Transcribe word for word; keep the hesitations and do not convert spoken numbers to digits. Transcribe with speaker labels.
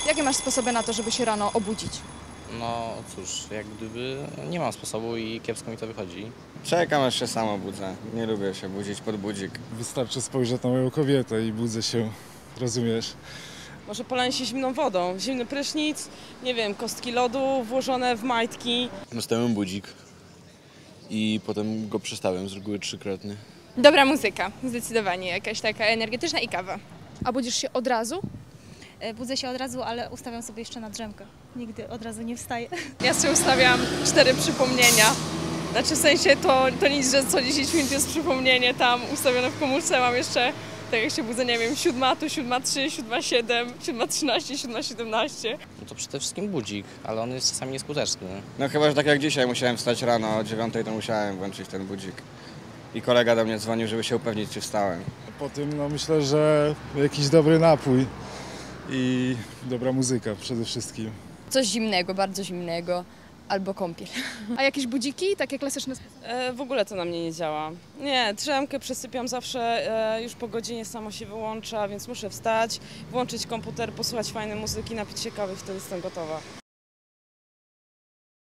Speaker 1: Jakie masz sposoby na to, żeby się rano obudzić?
Speaker 2: No cóż, jak gdyby nie mam sposobu i kiepsko mi to wychodzi.
Speaker 3: Czekam, aż się sam obudzę. Nie lubię się budzić pod budzik.
Speaker 4: Wystarczy spojrzeć na moją kobietę i budzę się, rozumiesz?
Speaker 5: Może polanie się zimną wodą, zimny prysznic, nie wiem, kostki lodu włożone w majtki.
Speaker 6: Nastawiam budzik i potem go przestawiam, z reguły trzykrotnie.
Speaker 7: Dobra muzyka, zdecydowanie, jakaś taka energetyczna i kawa.
Speaker 1: A budzisz się od razu?
Speaker 8: Budzę się od razu, ale ustawiam sobie jeszcze na drzemkę. Nigdy od razu nie wstaję.
Speaker 5: Ja sobie ustawiam cztery przypomnienia. Znaczy w sensie to, to nic, że co dziesięć minut jest przypomnienie tam ustawione w komórce. Mam jeszcze, tak jak się budzę, nie wiem, siódma tu, siódma trzy, siódma siedem, siódma trzynaście, siódma siedemnaście.
Speaker 2: No to przede wszystkim budzik, ale on jest czasami nieskuteczny.
Speaker 3: No chyba, że tak jak dzisiaj musiałem wstać rano o dziewiątej, to musiałem włączyć ten budzik. I kolega do mnie dzwonił, żeby się upewnić, czy wstałem.
Speaker 4: Po tym no myślę, że jakiś dobry napój i dobra muzyka przede wszystkim.
Speaker 7: Coś zimnego, bardzo zimnego, albo kąpiel.
Speaker 1: A jakieś budziki, takie klasyczne sposoby?
Speaker 5: E, w ogóle to na mnie nie działa. Nie, drzemkę przesypiam zawsze, e, już po godzinie samo się wyłącza, więc muszę wstać, włączyć komputer, posłuchać fajnej muzyki, napić się kawy i wtedy jestem gotowa.